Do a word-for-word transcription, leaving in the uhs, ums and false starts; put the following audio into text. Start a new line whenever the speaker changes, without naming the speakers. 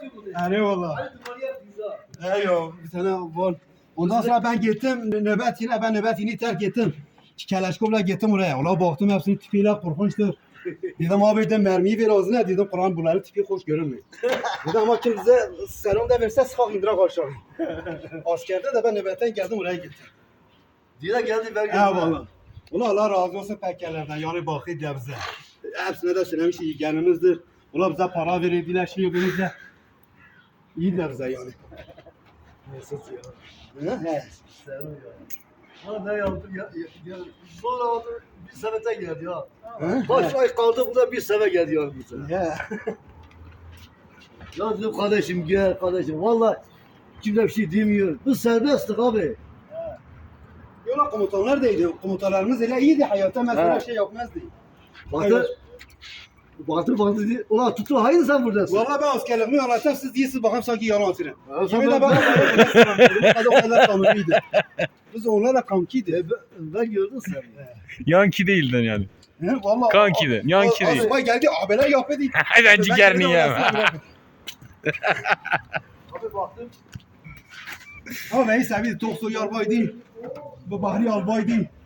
Eyvallah. Eyvallah. Bir tane var. Ondan sonra ben gittim nöbet yine ben nöbet yine terk ettim. Keleşkovla gittim oraya. Ola baktım hepsinin tipiyle korkunçtur. Dedim abi dedim mermiyi ver ağzına dedim Kur'an bunların tipi hoş görünmüyor. Dedim ama kim bize selam da verse sıkak indirak aşağı. Askerde de ben nöbetten geldim oraya gittim.
Dile geldi ben geldim.
Eyvallah. Ulan Allah razı olsun pekkelerden yani bakı diye bize. Hepsine de söylemiş iyi gelmemizdir. Ulan bize para verirdiler şey yapıyorlar. İyi de bize yani.
Mesut ya.
He.
Sen ya. Ha ne yaptım ya? ya, ya. Sonra oldu bir senete geldi ya.
He?
Baş ay kaldı bu da bir sene geldi ya bu sene.
He.
Ya dedim kardeşim gel kardeşim. Valla kimse bir şey demiyor. Biz serbesttik abi.
Yola komutanlar da iyiydi. Komutanlarımız öyle iyiydi. Hayatta mesela
He.
şey yapmazdı.
Baktı. Baktı baktı diye. Ulan tuttu hayır sen buradasın.
Valla ben askerliğimi anlatsam siz değilsiniz bakayım sanki yalan atırım.
Ha,
Kimi
sen
de
ben-
bana o kadar tanrıydı. Biz onlarla kankiydi.
E, ben, ben gördüm seni.
Yanki değildin yani.
He valla.
Kanki de, yanki değil.
Asubay geldi abiler yapıyordu.
Ben ciğerini yiyemem.
Abi baktım.
Ama neyse bir Toksoy albaydı. Bu Bahri albaydı.